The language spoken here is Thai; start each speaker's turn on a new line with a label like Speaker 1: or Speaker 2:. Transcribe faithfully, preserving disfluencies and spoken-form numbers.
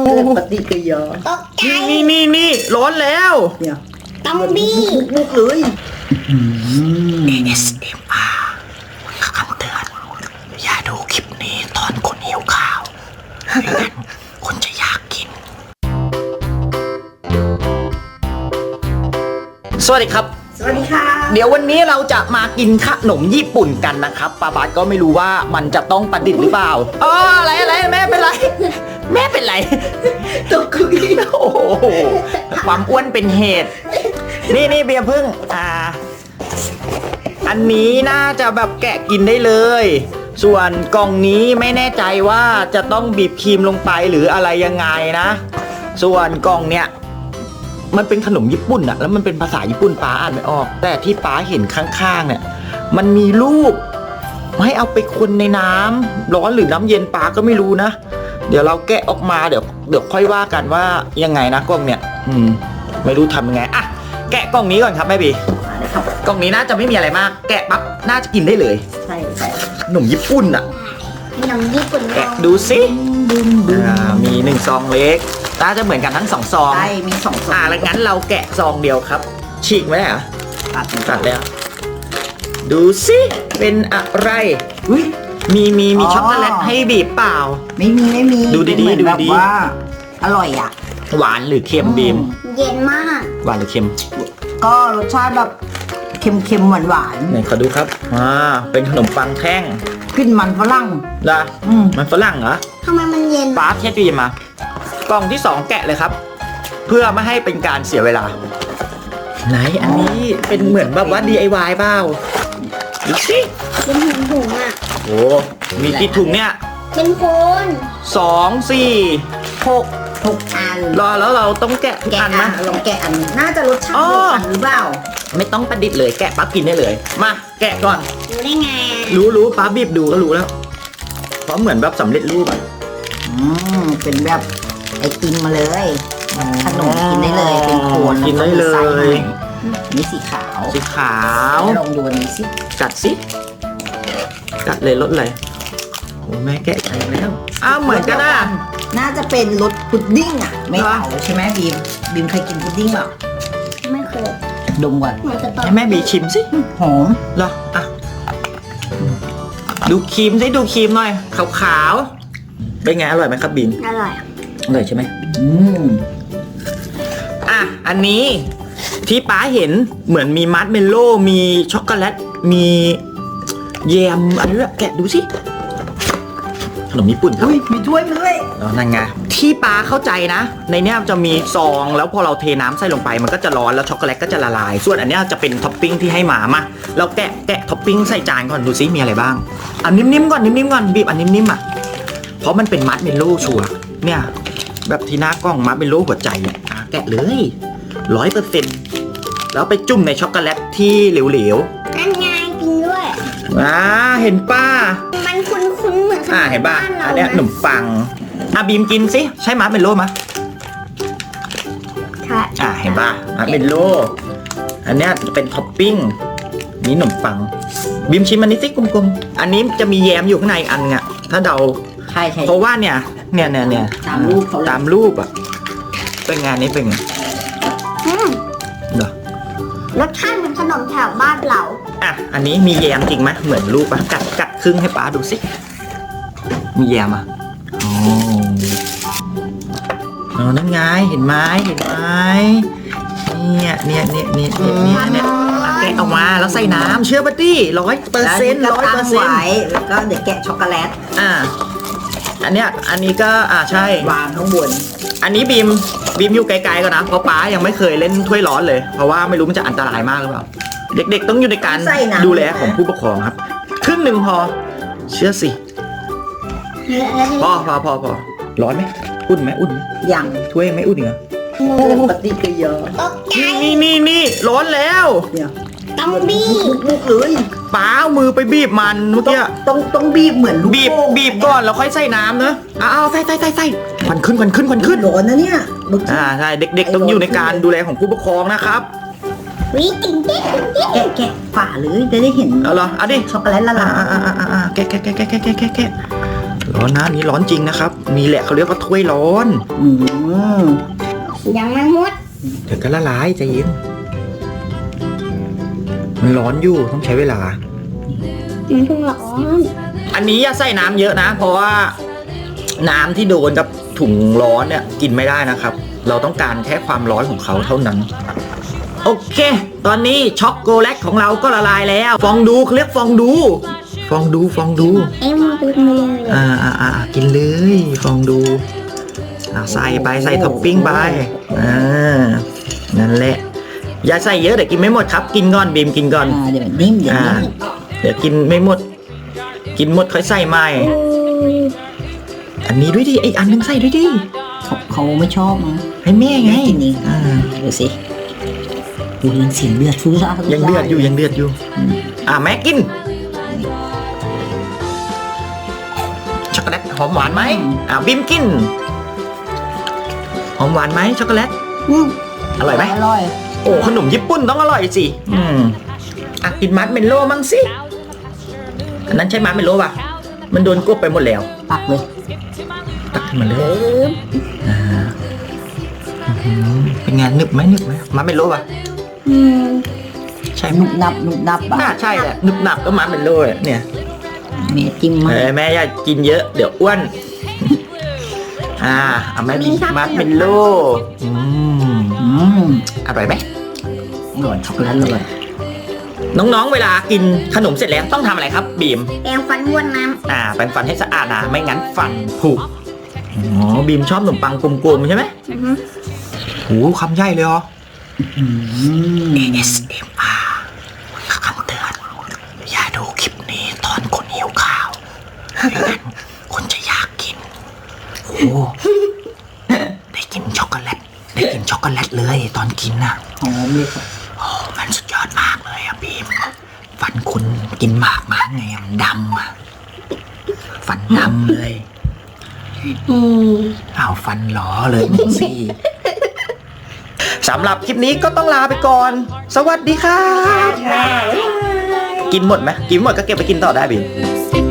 Speaker 1: ปฏิกิริยา
Speaker 2: ตกใจ
Speaker 3: นี่นี่นี่ร้อนแล้ว
Speaker 1: เนี่ย
Speaker 2: ตอมบี้
Speaker 1: บุกเลย
Speaker 3: เอ เอส เอ็ม อาร์ คำเตือนอย่าดูคลิปนี้ตอนคนหิวข้าวไม่งั้นคนจะอยากกิน สวัสดีครับ
Speaker 1: สวัสดีค่ะ
Speaker 3: เดี๋ยววันนี้เราจะมากินขนมญี่ปุ่นกันนะครับป้าบาสก็ไม่รู้ว่ามันจะต้องประดิษฐ์หรือเปล่าอ๋ออะไรอะไรแม่เป็นไร แม่เป็นไร
Speaker 1: ตกคุย
Speaker 3: โอ้โหความอ้วนเป็นเหตุ นี่นี่เบียร์พึ่งอ่า อันนี้น่าจะแบบแกะกินได้เลย ส่วนกล่องนี้ไม่แน่ใจว่าจะต้องบีบครีมลงไปหรืออะไรยังไงนะ ส่วนกล่องเนี้ยมันเป็นขนมญี่ปุ่นอะแล้วมันเป็นภาษาญี่ปุ่นป้าอ่านไม่ออก แต่ที่ป้าเห็นข้างๆเนี่ยมันมีรูปให้เอาไปคนในน้ำร้อนหรือน้ำเย็นป้าก็ไม่รู้นะ เดี๋ยวเราแกะออกมาเดี๋ยวเดี๋ยวค่อยว่ากันว่ายังไงนะกล่องเนี่ยอืมไม่รู้ทำยังไงอะแกะกล่องนี้ก่อนครับแม่บี
Speaker 1: นะครับ
Speaker 3: กล่องนี้น่าจะไม่มีอะไรมาก แกะปั๊บน่าจะกินได้เลย
Speaker 1: ใช่ใช่
Speaker 3: ขนมญี่ปุ่นอะ
Speaker 2: ขนมญี่ปุ่น
Speaker 3: แกะดูสิอ่ามีหนึ่งซองเล็กน่าจะเหมือนกันทั้งสองซอง
Speaker 1: ใช่มีสองซอง
Speaker 3: อ่าแล้วงั้นเราแกะซองเดียวครับ ฉีกไหมอ่ะ
Speaker 1: ตัด
Speaker 3: ตัดแล้ว ดูสิเป็นอะไร
Speaker 1: อุ้ย
Speaker 3: มีมีมี
Speaker 1: อ๋อ
Speaker 3: ช็อกโกแลตให้บีบเปล่า
Speaker 1: ไม่มีไม่มี
Speaker 3: ดูดีๆ
Speaker 1: เป็นเหมือน
Speaker 3: ดู
Speaker 1: แบบ
Speaker 3: ดี
Speaker 1: ว่าอร่อยอ่ะ
Speaker 3: หวานหรือเค็มบีม
Speaker 2: เย็นมาก
Speaker 3: หวานหรือเค็ม
Speaker 1: ก็รสชาติแบบเค็มๆหวานหวาน
Speaker 3: ไหนขอดูครับอ่าเป็นขนมปังแท่ง
Speaker 1: ๆขึ้นมันฝรั่ง
Speaker 3: นะ
Speaker 1: อืม
Speaker 3: มันฝรั่งเหรอ
Speaker 2: ทำไมมันเย็น
Speaker 3: ป้าเทสดูมากล่องที่สองแกะเลยครับ เพื่อไม่ให้เป็นการเสียเวลา ไหนอันนี้เป็นเหมือนแบบว่า ดี ไอ วาย เปล่าดูสิ
Speaker 2: เป็นถุงถุงอ่ะ
Speaker 3: โอ้มีกี่ถุงเนี่ย
Speaker 2: เป็นโคน
Speaker 3: สองสี่หก
Speaker 1: หกอัน
Speaker 3: รอแล้วเราต้องแกะ
Speaker 1: แกะ
Speaker 3: อั
Speaker 1: อั
Speaker 3: น
Speaker 1: น
Speaker 3: นะ
Speaker 1: ลองแกะอันน่าจะรสชาติ
Speaker 3: อ๋อ
Speaker 1: เดียวกันหรือเปล่า
Speaker 3: ไม่ต้องประดิษฐ์เลยแกะปั๊บกินได้เลย มาแกะก่อน
Speaker 2: รู้ได้ไง
Speaker 3: รู้รู้ปั๊บบีบดูก็รู้แล้ว เพราะเหมือนแบบสำเร็จรูปอ่ะ
Speaker 1: อืมเป็นแบบไอติมมาเลย ขนมกินได้เลยเป็นโคน
Speaker 3: กินได้เล
Speaker 1: แวก็มีไส้
Speaker 3: ย
Speaker 1: ให้นี่สีขาว
Speaker 3: สีขาว
Speaker 1: ลองดูอันนี้สิ
Speaker 3: กัดสิกัดเลยรสอะไรโอ้แม่แกะใจแล้วอ้าวเหมือนกันนะ
Speaker 1: น่าจะเป็นรสพุดดิ้งอ่ะ ไม่
Speaker 3: เหรอ
Speaker 1: เผาใช่ไหมบีมบีมเคยกินพุดดิ้งเปล่า
Speaker 2: ไม่เคย
Speaker 1: ดมก่อน
Speaker 2: เหมือนจะตอน
Speaker 3: ให้แม่บีชิมสิ
Speaker 1: หอม
Speaker 3: เหรออ่ะดูครีมสิดูครีมหน่อยขาวๆเป็นไงอร่อยไหมครับบีม
Speaker 2: อร่อย
Speaker 3: อร่อยใช่ไหม
Speaker 1: อืม
Speaker 3: อ่ะ อันนี้ที่ป๊าเห็นเหมือนมีมัดเมลโล่มีช็อกโกแลต มีแยมอันนี้แหละแกะดูสิ ขนมญี่ปุ่นครับ
Speaker 1: อุ้ยมีถ้วยมาด้วย
Speaker 3: แล้วนั่นไงที่ป๊าเข้าใจนะ ในเนี้ยจะมีซอง แล้วพอเราเทน้ำใส่ลงไปมันก็จะร้อนแล้วช็อกโกแลตก็จะละลาย ส่วนอันเนี้ยจะเป็นท็อปปิ้งที่ให้หมามาเราแกะแกะท็อปปิ้งใส่จานก่อนดูซิมีอะไรบ้างอันนิ่มๆก่อนนิ่มๆก่อนบีบอันนิ่มๆอ่ะเพราะมันเป็นมัดเมลโล่ชัวร์เนี่ย แบบที่หน้ากล้องมัดเป็นรูปหัวใจเนี่ยอ่ะแกะเลยร้อยเปอร์เซ็นต์แล้วไปจุ่มในช็อกโกแลตที่เหลว
Speaker 2: นั่นไงกินด้วย
Speaker 3: ๆอ่าเห็นป้า
Speaker 2: มันคุ้นๆเหมือนขน
Speaker 3: อ่าม เห็นป่ะ
Speaker 2: บ้านเรา
Speaker 3: อันเนี้ยขน
Speaker 2: นะ
Speaker 3: มปังอ่ะบีมกินสิใช่มัดเป็นโลมะ
Speaker 2: ใช่
Speaker 3: อ่าเห็นป่ะมัดเป็นโลอันเนี้ยจะเป็นท็อปปิ้งนี่ขนมปังบีมชิมอันนี้สิกลมๆอันนี้จะมีแยมอยู่ข้างในอันอ่ะถ้าเดา
Speaker 1: ใช่ใช่
Speaker 3: เพราะว่าเนี่ยเนี่ยเนี่ยเนี่ย
Speaker 1: ตามรูปเขาเลย
Speaker 3: ตามรูปอ่ะเป็นไงานนี้เป็นไง
Speaker 2: อืม
Speaker 3: เหรอ
Speaker 2: รสชาติเหมือนขนมแถวบ้านเรา
Speaker 3: อ่ะ อันนี้มีแยมจริงไหมเหมือนรูปปะกัดกัดครึ่งให้ป้าดูสิ มีแยมอ่ะอ๋ออ๋อนั่นไง เห็นไหมเห็นไหมเนี่ยเนี่ยเนี่ยเนี่ยเนี่ยเนี่ยเนี่ยอ่ะแกะออกมาแล้วใส่น้ำเชื่อปะตี้ร้อยเปอร์เซ็นต์
Speaker 1: แล้ว
Speaker 3: ร้อย
Speaker 1: ก็
Speaker 3: เปอ
Speaker 1: ตั้
Speaker 3: ร์
Speaker 1: ง
Speaker 3: เซ็นต์
Speaker 1: ไว้แล้วก็เดี๋ยวแกะช็อกโกแลต
Speaker 3: อ่า อันเนี้ย อันนี้ก็อ่าใช่
Speaker 1: วางข้างบน
Speaker 3: อันนี้บีมบีมอยู่ไกลๆก่อนนะเพราะป้ายังไม่เคยเล่นถ้วยร้อนเลย เพราะว่าไม่รู้มันจะอันตรายมากหรือเปล่า เด็กๆต้องอยู่ในการดูแลของผู้ปกครองครับ ครึ่งหนึ่งพอ เชื่อสิ
Speaker 2: แล้วที
Speaker 3: พอพอพอพอร้อนไหมอุ่นไหมอุ่นไหม
Speaker 1: อย่าง
Speaker 3: ถ้วยยังไม่อุ่นเหรอ
Speaker 1: ปฏิกิริยา
Speaker 2: ตกใจ
Speaker 3: นี่นี่นี่ร้อนแล้ว
Speaker 1: เนี่ย
Speaker 2: ตอมบี้
Speaker 1: บุกๆเลย
Speaker 3: ป้าเอามือไปบีบมันเมื่อ
Speaker 1: ต้อง
Speaker 3: กี้
Speaker 1: ต้องต้องบีบเหมือนลูก
Speaker 3: บีบ
Speaker 1: โป่ง
Speaker 3: บีบก่อนแล้วค่อยใส่น้ำเนอะเอาเอาใส่ใส่ใส่ใส่ควันขึ้นควันขึ้นควันขึ้น
Speaker 1: ร้อนนะเนี่ยลูก
Speaker 3: อ่าใช่เด็กๆต้องอยู่ในการดูแลของผู้ปกครองนะครับ
Speaker 2: วิกินเด็ก
Speaker 1: แกะแกะฝาเลยจะได้เห็น
Speaker 3: เอาเหรอเอาดิ
Speaker 1: ช็อกโกแลตละ
Speaker 3: อ่า
Speaker 1: ลาย
Speaker 3: อ่าอ่าอ่าแกะแกะแกะแกะแกะแกะแกะร้อนนะอันนี้ร้อนจริงนะครับนี่แหละเขาเรียกว่าถ้วยร้อน
Speaker 1: อืม
Speaker 2: ยังไม่หมด
Speaker 3: เดี๋ยวก็ละลายใจเย็นมันร้อนอยู่ต้องใช้เวลา
Speaker 2: มันเพิ่งร้อน
Speaker 3: อันนี้อย่าใส่น้ำเยอะนะ เพราะว่าน้ำที่โดนกับถุงร้อนเนี่ยกินไม่ได้นะครับ เราต้องการแค่ความร้อนของเขาเท่านั้น โอเค ตอนนี้ช็อกโกแลตของเราก็ละลายแล้ว ฟองดูเขาเรียกฟองดู ฟองดูฟองดู
Speaker 2: เอ็มดูเลย
Speaker 3: อ่าอ่าอ่ากินเลยฟองดูอ่าใส่ไปใส่ท็อปปิ้งไปอ่านั่นแหละ อย่าใส่เยอะเดี๋ยวกินไม่หมดครับ กินก่อนบีมกินก่อน
Speaker 1: อ่าเดี๋ยวนิ่มเดี๋ยว
Speaker 3: อ่า
Speaker 1: นิ่ม
Speaker 3: เดี๋ยวกินไม่หมด กินหมดค่อยใส่ใหม่ อันนี้ด้วยดิไออันนึงใส่ด้วยดิ
Speaker 1: เขาเขาไม่ชอบมั้ง
Speaker 3: ให้แม่ไง
Speaker 1: ไม่กินเอง
Speaker 3: อ่า
Speaker 1: ดูสิดูยังเสียงเดือดฟูซ่าฟูซ่า
Speaker 3: ยังเดือดอยู่ยังเดือดอยู่ อ่าแม่กิน ช็อกโกแลตหอมหวานไหมอ่าบิมกิน หอมหวานไหมช็อกโกแลต
Speaker 1: อืม
Speaker 3: อร่อยไหม
Speaker 1: อร่อย
Speaker 3: โอ้ขนมญี่ปุ่นต้องอร่อยสิ อืมอ่ะกินมัดเมลโล่มั่งสิ อันนั้นใช่มัดเมลโล่ป่ะ มันโดนกบไปหมดแล้ว
Speaker 1: ปักเลย
Speaker 3: ตักขึ้นมาเลยอ่าอื้อหือเป็นไงนึบไหมนึบไหมมัดเมลโล่ป่ะ
Speaker 2: อืม
Speaker 3: ใช่ไหม
Speaker 1: นุบนับนุบนับปะ
Speaker 3: น่าใช่แหละนึบหนับก็มัดเมลโล่เนี่ย
Speaker 1: เมจิ้มมา
Speaker 3: เออแม่อย่ากินเยอะเดี๋ยวอ้วน อ่าเอาแม่กินมัดเมลโล่อืม
Speaker 1: อืม
Speaker 3: อร่อยไหม
Speaker 1: อร่อยช็อกโกแลตเลย
Speaker 3: น้องๆ เวลากินขนมเสร็จแล้วต้องทำอะไรครับบีม
Speaker 2: แปรงฟันบ้วนน้
Speaker 3: อ่าแปรงฟันให้สะอาดนะไม่งั้นฟันผุอ๋อบีมชอบขนมปังกลมๆใช่ไหม
Speaker 2: ำอือฮึ
Speaker 3: โอ้คำใหญ่เลยเหรอ
Speaker 1: อืม
Speaker 3: เอ เอส เอ็ม อาร์ คำเตือนอย่าดูคลิปนี้ตอนคนหิวข้าวไม่งั้นคนจะอยากกินโอ้ได้กินช็อกโกแลตได้กินช็อกโกแลตเลยตอนกินน่ะ
Speaker 1: หอมเลยครับ
Speaker 3: โอ้มันสุดยอดมากเลยอะบีม ฟันคุณกินหมากมาไงอะมันดำอะฟันดำเลย
Speaker 2: อืม
Speaker 3: เอาฟันหลอเลยมึงสิ สำหรับคลิปนี้ก็ต้องลาไปก่อน สวัสดีครับ กินหมดไหมกินหมดก็เก็บไปกินต่อได้บีม